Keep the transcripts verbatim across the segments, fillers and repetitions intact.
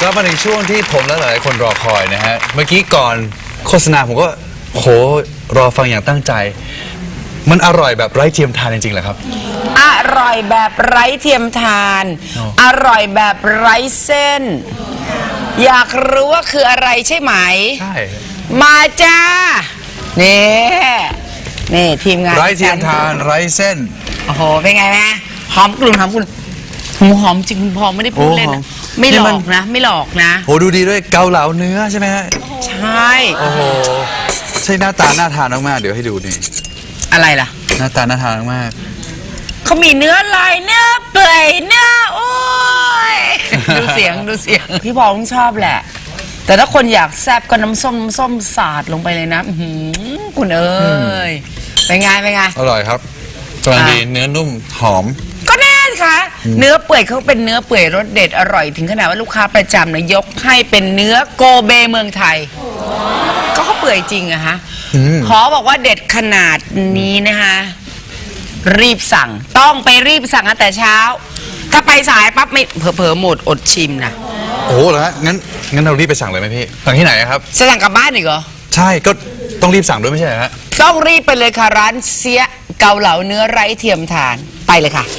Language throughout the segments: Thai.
กลับมาถึงช่วงที่ผมและหลายคนรอคอยนะฮะเมื่อกี้ก่อนโฆษณาผมก็โหรอฟังอย่างตั้งใจมันอร่อยแบบไร้เทียมทานจริงๆเหรอครับอร่อยแบบไร้เทียมทานอร่อยแบบไร้เส้นอยากรู้ว่าคืออะไรใช่ไหมใช่มาจ้านี่นี่ทีมงานไร้เทียมทานไร้เส้นโอ้โหเป็นไงนะหอมกลุ่นหอมกลุ่นหอมจริงคุณพอไม่ได้พูดเล่นนะไม่หลอกนะไม่หลอกนะโหดูดีด้วยเกาเหลาเนื้อใช่ไหมฮะใช่โอ้โหใช่หน้าตาน่าทานมากๆเดี๋ยวให้ดูนี่อะไรล่ะหน้าตาน่าทานมากเขามีเนื้อลายเนื้อเปื่อยเนื้อโอ้ยดูเสียงดูเสียงพี่พอต้องชอบแหละแต่ถ้าคนอยากแซ่บก็น้ำส้มน้ำส้มสาดลงไปเลยนะคุณเอ้ยเป็นไงเป็นไงอร่อยครับกำลังดีเนื้อนุ่มหอมก็แน่ค่ะเนื้อเปื่อยเขาเป็นเนื้อเปื่อยรสเด็ดอร่อยถึงขนาดว่าลูกค้าประจำนะยกให้เป็นเนื้อโกเบเมืองไทยก็เขาเปื่อยจริงอะฮะขอบอกว่าเด็ดขนาดนี้นะคะรีบสั่งต้องไปรีบสั่งตั้งแต่เช้าถ้าไปสายปั๊บไม่เผลอๆหมดอดชิมนะโอ้โหเหรอฮะงั้นงั้นเรารีบไปสั่งเลยไหมพี่สั่งที่ไหนครับจะสั่งกลับบ้านอีกเหรอใช่ก็ต้องรีบสั่งด้วยไม่ใช่ฮะต้องรีบไปเลยค่ะร้านเสียเกาเหลาเนื้อไร้เทียมทานไปเลยค่ะ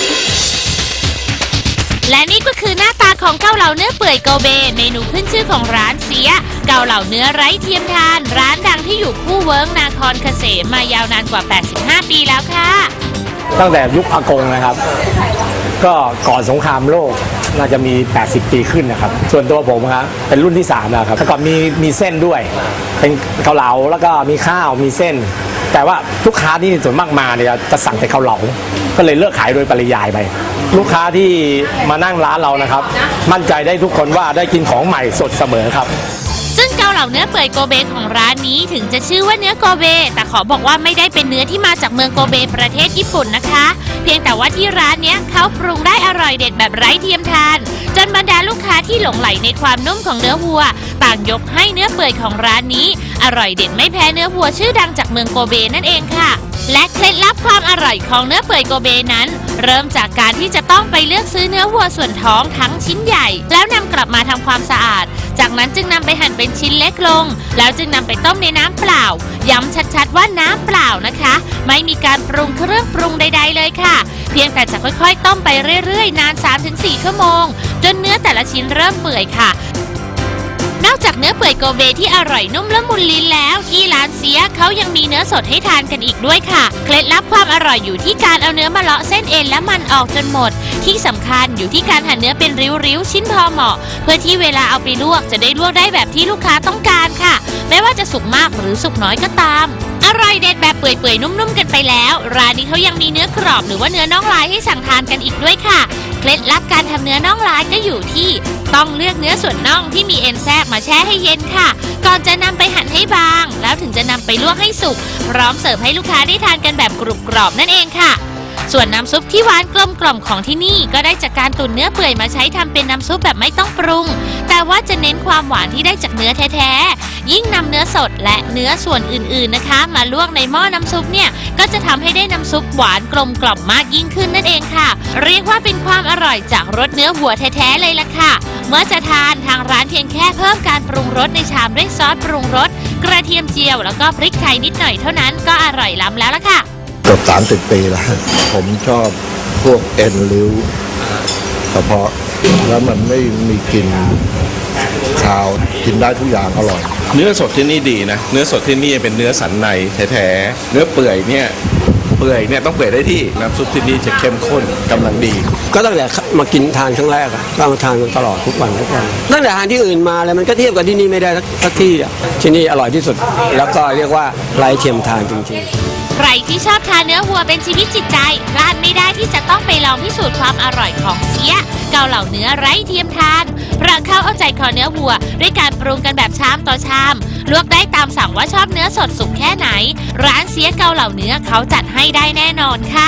และนี่ก็คือหน้าตาของเกาเหลาเนื้อเปื่อยโกเบเมนูขึ้นชื่อของร้านเสียเกาเหลาเนื้อไร้เทียมทานร้านดังที่อยู่คู่เวิ้งนาครเกษมมายาวนานกว่าแปดสิบห้าปีแล้วค่ะตั้งแต่ยุคอากงนะครับก็ก่อนสงครามโลกน่าจะมีแปดสิบปีขึ้นนะครับส่วนตัวผมครับเป็นรุ่นที่สามแล้วครับแต่ก่อนมีมีเส้นด้วยเป็นเกาเหลาแล้วก็มีข้าวมีเส้นแต่ว่าลูกค้าที่ส่วนมากมาเนี่ยจะสั่งแต่เกาเหลาก็เลยเลิกขายโดยปริยายไปลูกค้าที่มานั่งร้านเรานะครับมั่นใจได้ทุกคนว่าได้กินของใหม่สดเสมอครับซึ่งเกาเหลาเนื้อเปื่อยโกเบของร้านนี้ถึงจะชื่อว่าเนื้อโกเบแต่ขอบอกว่าไม่ได้เป็นเนื้อที่มาจากเมืองโกเบประเทศญี่ปุ่นนะคะเพียงแต่ว่าที่ร้านนี้เขาปรุงได้อร่อยเด็ดแบบไร้เทียมทานจนบรรดาลูกค้าที่หลงใหลในความนุ่มของเนื้อวัวต่างยกให้เนื้อเปื่อยของร้านนี้อร่อยเด็ดไม่แพ้เนื้อวัวชื่อดังจากเมืองโกเบนั่นเองค่ะและเคล็ดลับความอร่อยของเนื้อเปื่อยโกเบนั้นเริ่มจากการที่จะต้องไปเลือกซื้อเนื้อวัวส่วนท้องทั้งชิ้นใหญ่แล้วนำกลับมาทำความสะอาดจากนั้นจึงนำไปหั่นเป็นชิ้นเล็กลงแล้วจึงนำไปต้มในน้ำเปล่าย้ำชัดๆว่าน้ำเปล่านะคะไม่มีการปรุงเครื่องปรุงใดๆเลยค่ะเพียงแต่จะค่อยๆต้มไปเรื่อยๆนาน สามถึงสี่ ชั่วโมงจนเนื้อแต่ละชิ้นเริ่มเปื่อยค่ะนอกจากเนื้อเปื่อยโกเบที่อร่อยนุ่มละมุนลิ้นแล้วที่ร้านเสียเขายังมีเนื้อสดให้ทานกันอีกด้วยค่ะเคล็ดลับความอร่อยอยู่ที่การเอาเนื้อมาเลาะเส้นเอ็นและมันออกจนหมดที่สำคัญอยู่ที่การหั่นเนื้อเป็นริ้วๆชิ้นพอเหมาะเพื่อที่เวลาเอาไปลวกจะได้ลวกได้แบบที่ลูกค้าต้องการค่ะไม่ว่าจะสุกมากหรือสุกน้อยก็ตามอร่อยเด็ดแบบเปื่อยๆนุ่มๆกันไปแล้วร้านนี้เขายังมีเนื้อกรอบหรือว่าเนื้อน่องลายให้สั่งทานกันอีกด้วยค่ะเคล็ดลับการทำเนื้อน่องลายก็อยู่ที่ต้องเลือกเนื้อส่วนน่องที่มีเอ็นแทรกมาแช่ให้เย็นค่ะก่อนจะนำไปหั่นให้บางแล้วถึงจะนำไปลวกให้สุกพร้อมเสิร์ฟให้ลูกค้าได้ทานกันแบบกรุบกรอบนั่นเองค่ะส่วนน้ำซุปที่หวานกลมกล่อมของที่นี่ก็ได้จากการตุ๋นเนื้อเปื่อยมาใช้ทำเป็นน้ำซุปแบบไม่ต้องปรุงแต่ว่าจะเน้นความหวานที่ได้จากเนื้อแท้ๆยิ่งนำเนื้อสดและเนื้อส่วนอื่นๆนะคะมาลวกในหม้อน้ำซุปเนี่ยก็จะทำให้ได้น้ำซุปหวานกลมกล่อมมากยิ่งขึ้นนั่นเองค่ะเรียกว่าเป็นความอร่อยจากรสเนื้อวัวแท้ๆเลยล่ะค่ะเมื่อจะทานทางร้านเพียงแค่เพิ่มการปรุงรสในชามด้วยซอสปรุงรสกระเทียมเจียวแล้วก็พริกไทยนิดหน่อยเท่านั้นก็อร่อยล้ำแล้วล่ะค่ะเกือบสามสิบปีแล้วผมชอบพวกเอ็นริ้วกระเพาะแล้วมันไม่มีกลิ่นคาวกินได้ทุกอย่างอร่อยเนื้อสดที่นี่ดีนะเนื้อสดที่นี่เป็นเนื้อสันในแท้ๆเนื้อเปื่อยเนี่ยเปื่อยเนี่ยต้องเปื่อยได้ที่น้ำซุปที่นี่จะเข้มข้นกำลังดีก็ตั้งแต่มากินทานครั้งแรกอะก็มาทานตลอดทุกวันทุกวันตั้งแต่ทานที่อื่นมาเลยมันก็เทียบกับที่นี่ไม่ได้สักที่อะที่นี่อร่อยที่สุดแล้วก็เรียกว่าไร้เทียมทานจริงๆใครที่ชอบทานเนื้อวัวเป็นชีวิตจิตใจพลาดไม่ได้ที่จะต้องไปลองพิสูจน์ความอร่อยของเสียเกาเหลาเนื้อไร้เทียมทานเพราะเขาเอาใจคอเนื้อวัวด้วยการปรุงกันแบบชามต่อชามลวกได้ตามสั่งว่าชอบเนื้อสดสุกแค่ไหนร้านเสียเกาเหลาเนื้อเขาจัดให้ได้แน่นอนค่ะ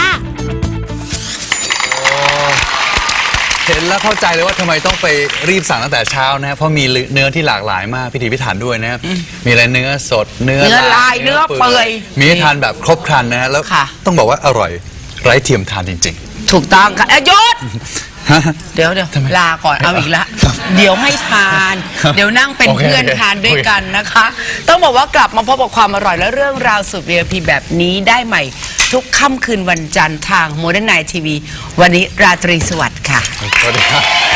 เห็นแล้วเข้าใจเลยว่าทำไมต้องไปรีบสั่งตั้งแต่เช้านะเพราะมีเนื้อที่หลากหลายมากพิถีพิถันด้วยนะครับมีอะไรเนื้อสดเนื้อลายเนื้อเปื่อยมีให้ทานแบบครบครันนะฮะแล้วต้องบอกว่าอร่อยไร้เทียมทานจริงๆถูกต้องค่ะยศเดี๋ยวเดี๋ยวทำไมลาก่อนเอาอีกละครับเดี๋ยวให้ทานครับเดี๋ยวนั่งเป็นโอเคเพื่อนโอเคทานด้วยโอเคกันนะคะ ต้องบอกว่ากลับมาพบกับความอร่อยและเรื่องราวสุด วี ไอ พี แบบนี้ได้ใหม่ ทุกค่ำคืนวันจันทร์ทางโมเดิร์นไนท์ทีวีวันนี้ราตรีสวัสดิ์ค่ะสวัสดีครับ